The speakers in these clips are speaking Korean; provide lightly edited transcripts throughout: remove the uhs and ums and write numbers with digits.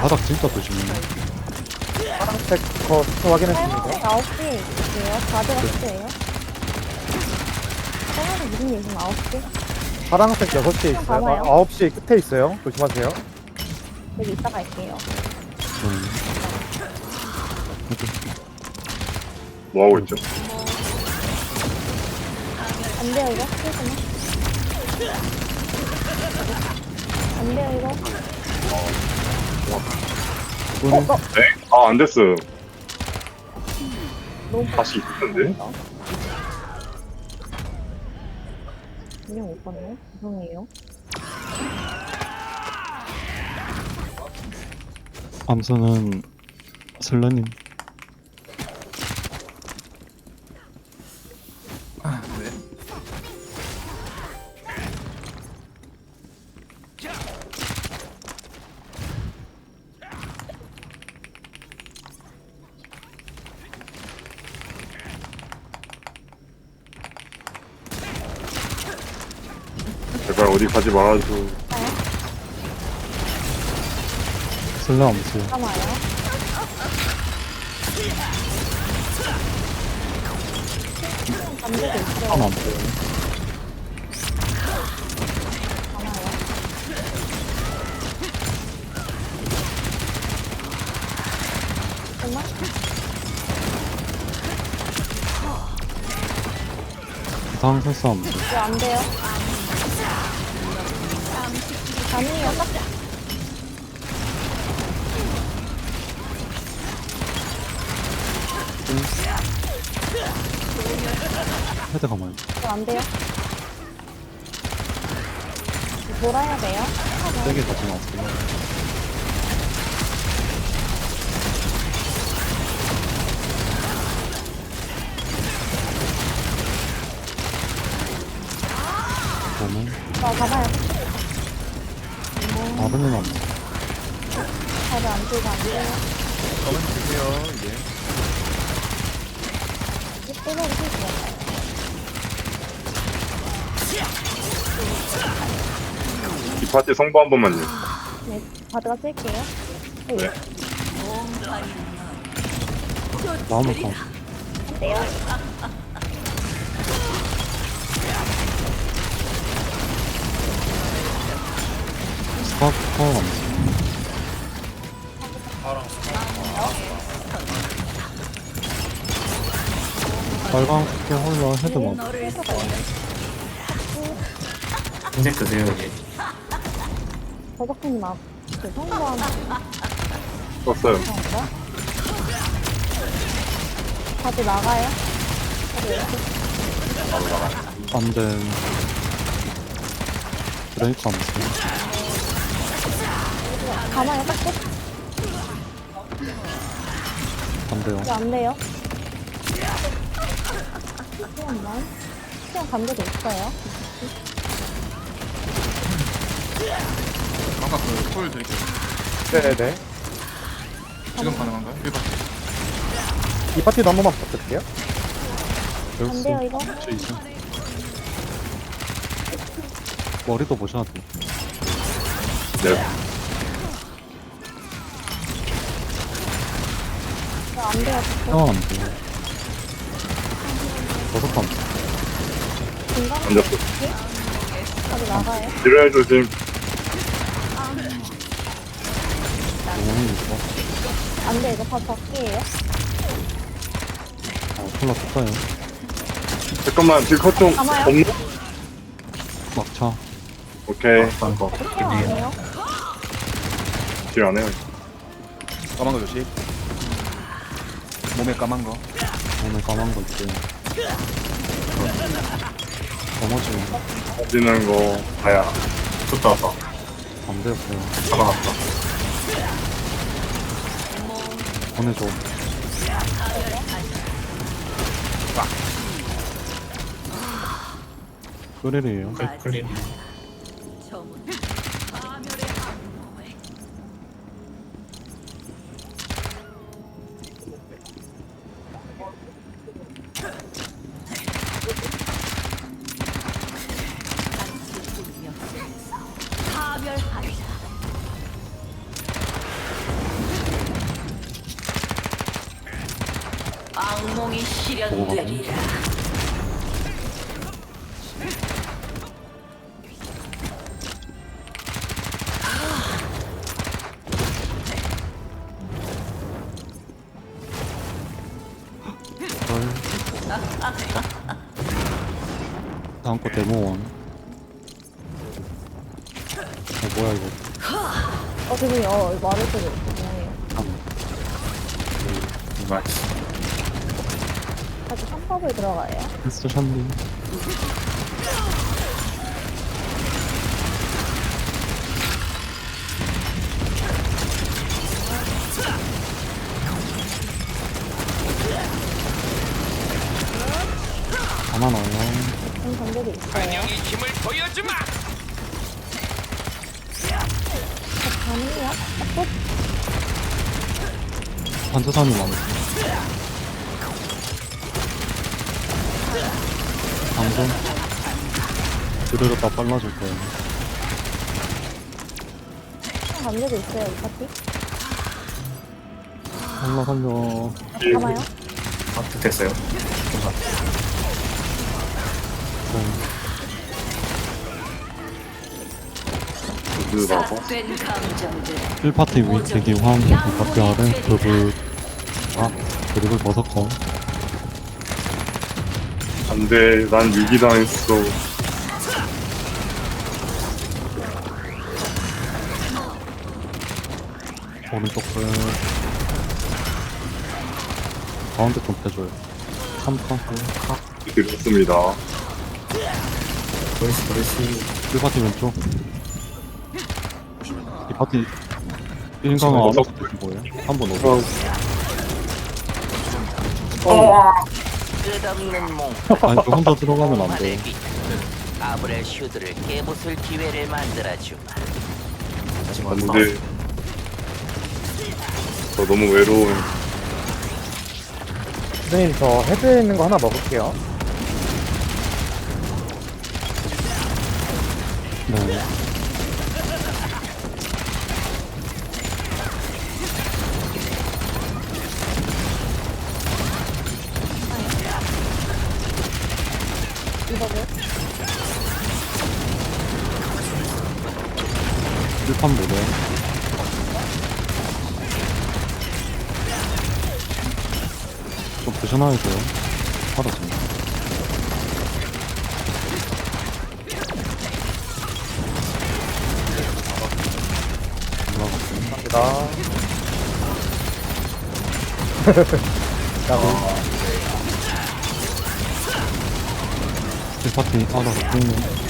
바닥 진짜 조심해. 파란색 거 확인했습니다. 빨간색 9시에 있을게요. 가드가 끝이에요. 빨간색 무슨 얘기면 9시? 파란색 6시에 있어요. 봐봐요. 9시 끝에 있어요. 조심하세요. 여기 이따 갈게요. 뭐 하고 있죠? 안 돼요, 이거? 잠깐만. 안 돼요, 이거? 네? 아, 안 됐어. 너무 다시 있는데? 그냥 못 봤네? 죄송해요. 암수는 슬라님. 제발 어디 가지 말아줘. 슬라 암수. 잠깐만요. 감기도 있어요. 안 암수. 잠깐만요. 잠깐만. 부상 설사 암수. 이거 안 돼요. 가능해요, 딱. 헤드 가만히. 이거 안 돼요. 뭐라 해야 돼요? 세게 가지 마세요. 저는 가봐요. 아르는 암수. 다들 안 들고 안 돼요. 가만히 계세요, 이제. 이제 빼놓고 있어요. 이 파티 성부 한 번만요. 네, 바드가 쓸게요. 네. 나오면 가. 돼요. 스파커 암수. 빨간색 홀라 헤드만. 흰색 드세요 이제. 버벅님 앞, 그 성공한 썼어요. 건가? 다들 나가요? 다들 이렇게 안 돼. 브레이크 암수. 가만히 딱 끝. 안 돼요. 이거 안 돼요. 시간만. 시간 감도도 있어요. 아까 그콜 드릴게요. 네네. 지금 가능한가요? 1박. 이 파티도 한 번만 부탁드릴게요. 안 돼요, 이거? 저 이제 머리도 보셔야 돼. 네. 이거 안 돼요. 형은 안 돼요. 버섯 암수. 중간에 앉았어. 다들 나가요. 지뢰 조심. 너무 있어. 안 돼, 이거 다 밖이에요. 콜라 떴어요. 잠깐만, 딜컷 좀 가마요? 없나? 막차. 오케이. 거. 시간 안 해요. 딜안 해요. 까만 거 조심. 몸에 까만 거. 오늘 까만 거 있어요. 넘어지면 빠지는 거 봐야. 좋다 왔다. 안 되었어요. 잡아놨다. 보내줘. 끄리리에요. 클린. 악몽이 보고 가고. 실현되리라. 헐. 다음 거 데모원. 뭐야 이거. 죄송해요. 말을 때도 죄송해요. 정말. 아직 3법을 들어가요. 진짜 샨디. 가만 와요. 좀 관계도 있어요. 힘을 보여주마. 가능해요? 반사산이 많아. 방금 그대로 다 빨라질 거예요. 관계도 있어요, 이 파티? 살려 살려. 가나요? 됐어요. 그라고 삭된 감정들. 1파티 위 대기 화음 바퀴 아래 그룹을 그룹을 버섯거. 안돼 난 위기당했어. 오른쪽 끝. 가운데 좀 빼줘요. 3파 드렸습니다. 도리씨. 1파티 왼쪽. 이 파티 1강은 아무것도 안 거예요. 한번 오고. 끝없는 몽. 아니 저 혼자 들어가면 안 돼. 아브렐 슈드를 깨부술 기회를 만들어주마. 다시 안돼. 저 너무 외로운. 선생님, 저 헤드에 있는 거 하나 먹을게요. 네. 이거를? 1판 모델. 좀 드셔놔야죠. 받았습니다. 올라갔습니다. 감사합니다. 라고. 1파티 알아서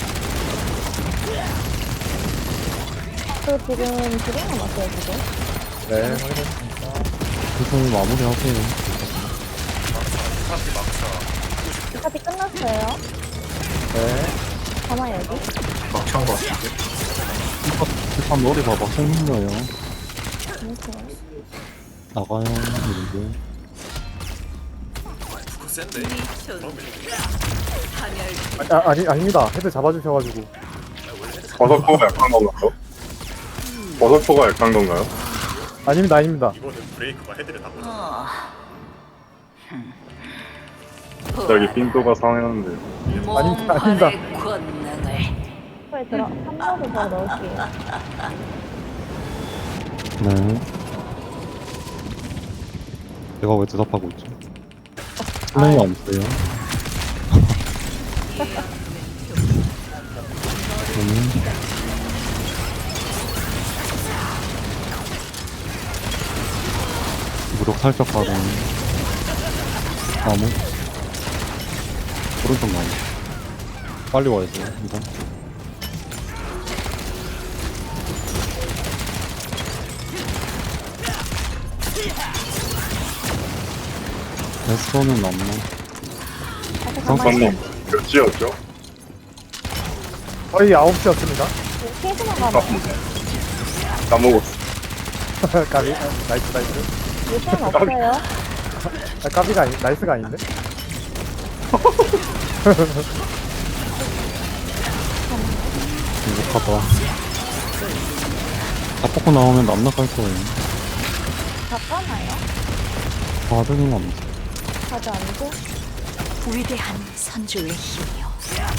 저 지금 두 개 남았어요, 지금. 네, 확인했습니다. 그래서 마무리하세요. 이 파티 끝났어요. 네. 가나요, 여기? 막창 거 같은데. 1판 머리 봐봐. 생긴 거예요. 잠시만요. 나가요. 이런데. 아닙니다. 헤드 잡아주셔가지고. 버섯포가 약한 건가요? 버섯포가 약한 건가요? 아닙니다. 갑자기 핀도가 상했는데요. 아닙니다. 몽환의 권능을. 초에 3법을 더 넣을게요. 네. 내가 왜 대답하고 있지? 플레이 안 돼요. 무력 살짝 가는 나무 오른쪽 나무 빨리 와야 돼요 이거 에스터는 남나 잠깐만 몇 지였죠? 거의 9시였습니다. 케이스만 가면 까먹었어. 까비. 나이스. 요새는 없어요. 까비가 나이스가 아닌데? 행복하다 다 뽑고 나오면 남나 갈 거예요 바꿔놔요. 받으는 건 없어 가지 않고. 위대한 선조의 힘이요.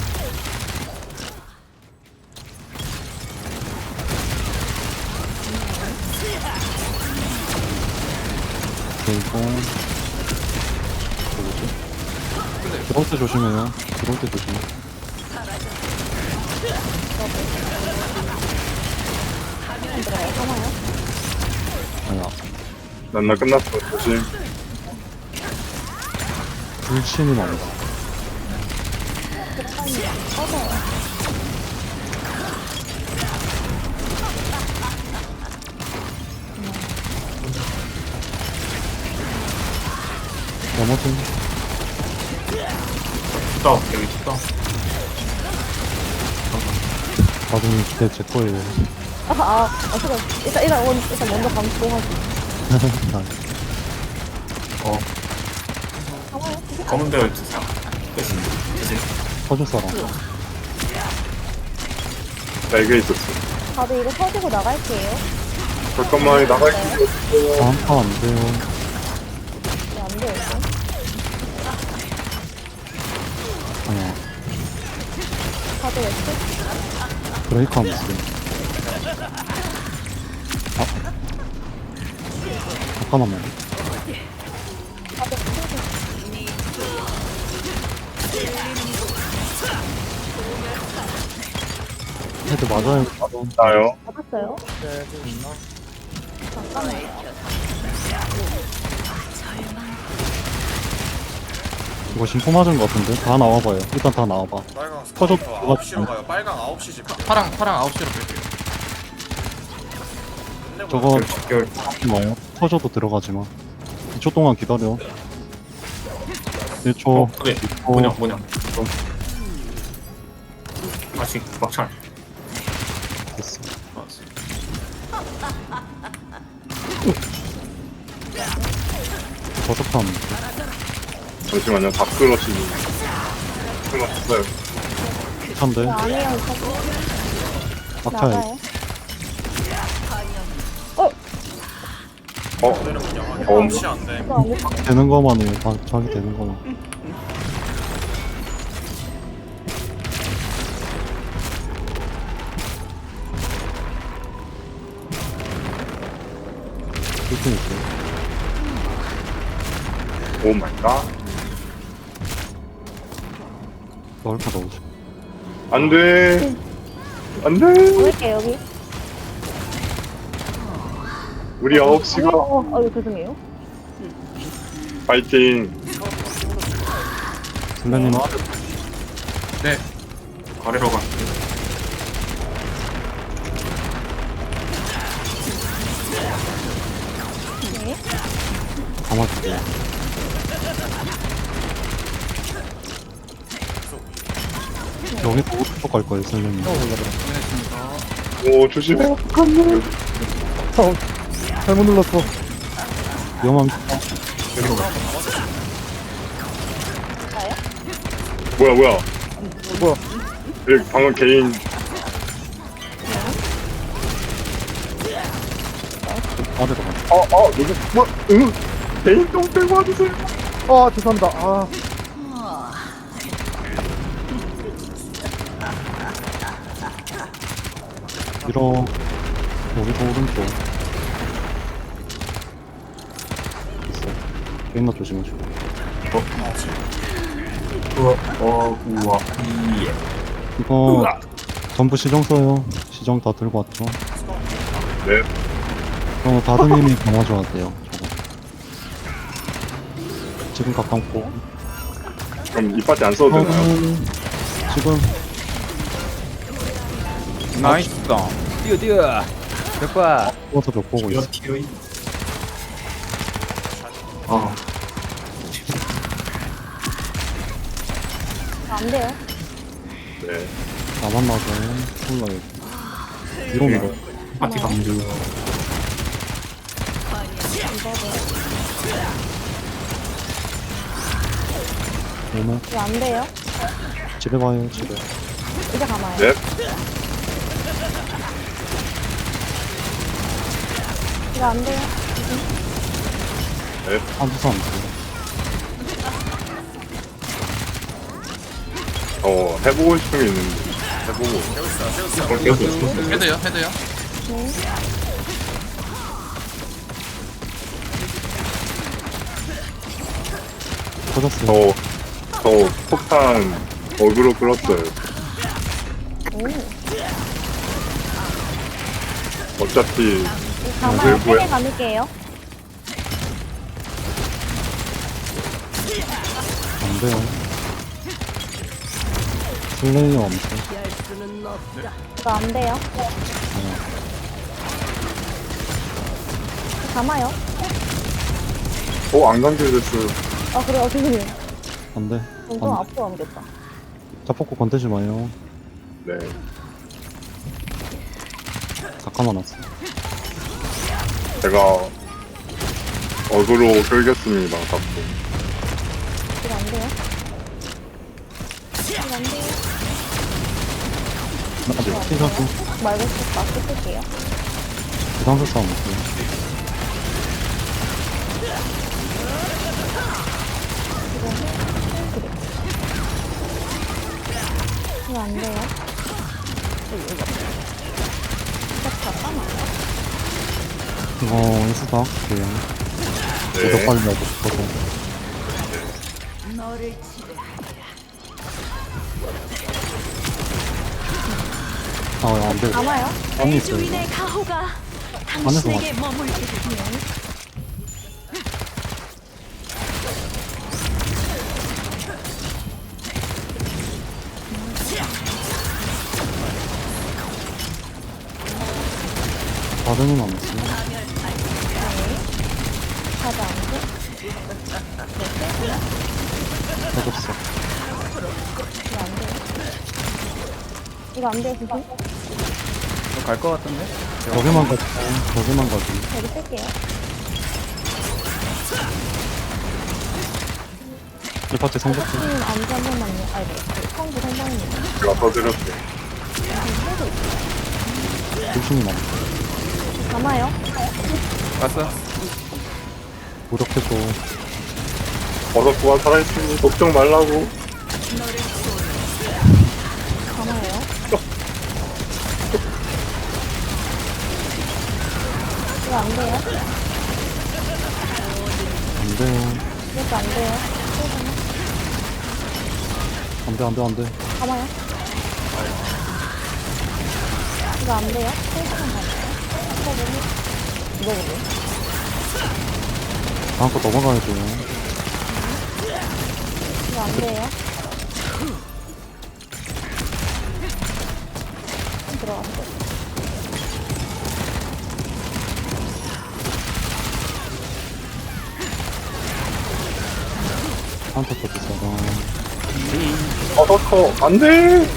그리고 뭐지? 들어올 때 조심해요. 들어올 때 조심해. 안 들어가요. 하나요? 아니야. 난나 끝났어. 조심. 불신이 많다. 꺼져요. 나머지 뚜다 여기 뚜다. 나중에 기대 제 거예요. 잠깐. 일단 먼저 감수하고. 어 가봐요. 검은 배열 주사. 그치 그치. 터줄 사람. 나 이게 있었어. 다들 이거 터지고 나갈게요. 잠깐만 나갈게. 다음 판안 돼요. 네, 안 돼요, 이거. 아니야. 다들 웨스? 브레이크 하면 있어. 잠깐만요. 다들 웨스? 헤드 맞아요. 나요. 받았어요? 네, 좀 있나? 잠깐만요. 이거 심포 맞은 거 같은데? 다 나와봐요. 일단 다 나와봐. 빨강 퍼져- 스카우터 9시로 가요. 빨강 9시 집. 파랑 9시로 뺄게요. 저거 결 하지 마요. 터져도 들어가지 마. 2초 동안 기다려. 1초. 그래 뭐냐 아직 막창. 됐어. 버섯함. 잠시만요. 다 끌어치니. 끌어쳤어요. 찬데? 저 안에요, 터지. 막차에. 나가요. 어? 9시 안 돼. 이거 안 돼. 되는 거만 해요. 자기 되는 거만. 이렇게 있어요. 오 마이 갓. 넣을 거 넣으죠. 안 돼. 안 돼. 넣을게요, 여기. 우리 9시가 이거 죄송해요. 파이팅. 선배님 네. 아래로 가. 네. 감아줄게요. 여기서 오른쪽 갈 거예요, 선배님. 확인했습니다. 오 조심해. 잘못 눌렀어. 위험합니다. 가요? 뭐야. 뭐야? 여기 방금 개인 아래로 가. 누구 뭐? 응? 개인 똥 빼고 와주세요. 죄송합니다. 밀어. 여기서 오른쪽. 있어. 게임나 조심해줘. 우와 예. 이거 전부 시정 써요. 시정 다 들고 왔죠. 네. 다듬님이 감아줘야 돼요. 저거. 지금 가깝고. 그럼 이 파티 안 써도 되나요? 지금 나이스. 뛰어 몇과 뽑아서 몇 보고 있어. 티어이. 안 돼요. 네. 나만 맞아요. 콜라요. 위로 밀어. 파티 강주. 오면 이거 안 돼요. 집에 가요. 집에. 이제 가마요. 네. 이거 안 돼요. 한두사 안 돼. 해보고 싶은 게 있는데 해보고 헤드요, 헤드요. 터졌어요. 저 폭탄 어그로 끌었어요. 어차피 가마요. 뭐야? 3개 감을게요. 안 돼요. 슬레이어 엄청. 이거 안 돼요. 감아요. 안 감겨졌어요. 아, 그래요. 죄송해요. 안 돼. 좀 안 돼. 앞으로 옮겼다. 자폭고 건들지 마요. 네. 잠깐만 왔어. 제가 어그로 끌겠습니다. 자꾸. 이거 안 돼요. 이거 안 돼요. 아직 피사고 말고 마스크 쓸게요. 부상수 싸움 없어요. 이거 안 돼요. 이거 잠깐만요. 이거 인수다 할게요. 저도 네. 빨리 하고 싶어서. 안 돼. 감아요. 안에 있어요. 주인의 가호가 안에서 당신에게 머물게 되면 바드는 안 했어요. 가자, 안 돼. 터졌어. 이거 안 돼요. 이거 안 돼요, 선생님. 갈것 같은데? 저기만 가지. 저기만 가지. 여기 쓸게요. 1파티 성적표. 선생님 안전 한 번만요. 아니, 성부 선생님. 제가 터뜨렸어요. 조심히 나. 감아요. 왔어? 노력해줘. 버섯구가 살아있으니 걱정 말라고. 감아요. 이거 안 돼요. 안 돼요. 이것도 안 돼요. 안 돼, 안 돼, 안 돼. 감아요. 이거 안 돼요. 세시간 가요. 이거 보세요. 다음 거 넘어가야 돼요. 이거 안 돼요. 들어갔어. 한타 터졌어. 버섯커 안 돼.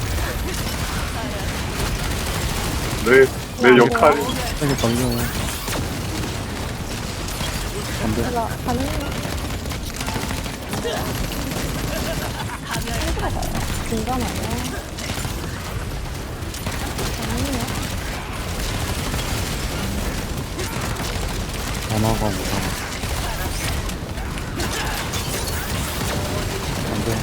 내 역할이 세게 걸려요. 안 돼. 이거 가능해요. 중간아요. 가능해요. 전화가 뭐야. 안 돼.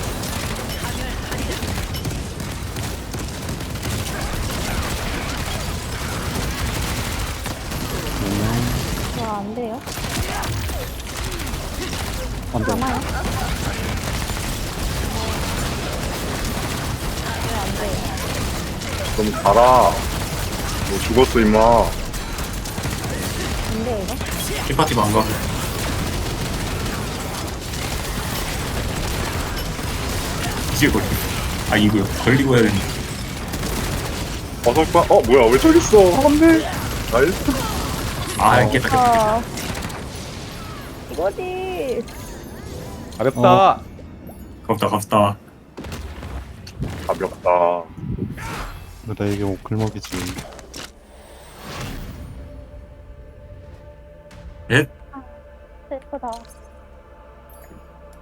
이거 안 돼요. 안 돼. 감아요. 이거 안 돼요. 좀 가라. 너 죽었어 임마. 안 돼요, 이거? 킥파티 망가. 이제 걸리. 아 이거요. 걸리고 해야 되는데. 버섯구가 뭐야 왜 저기 있어? 안 돼. 나이스. 아 깼다. 아, 이거지. 가볍다. 갑다. 가볍다. 그래, 이게 오클먹이지. 넷. 슬프다.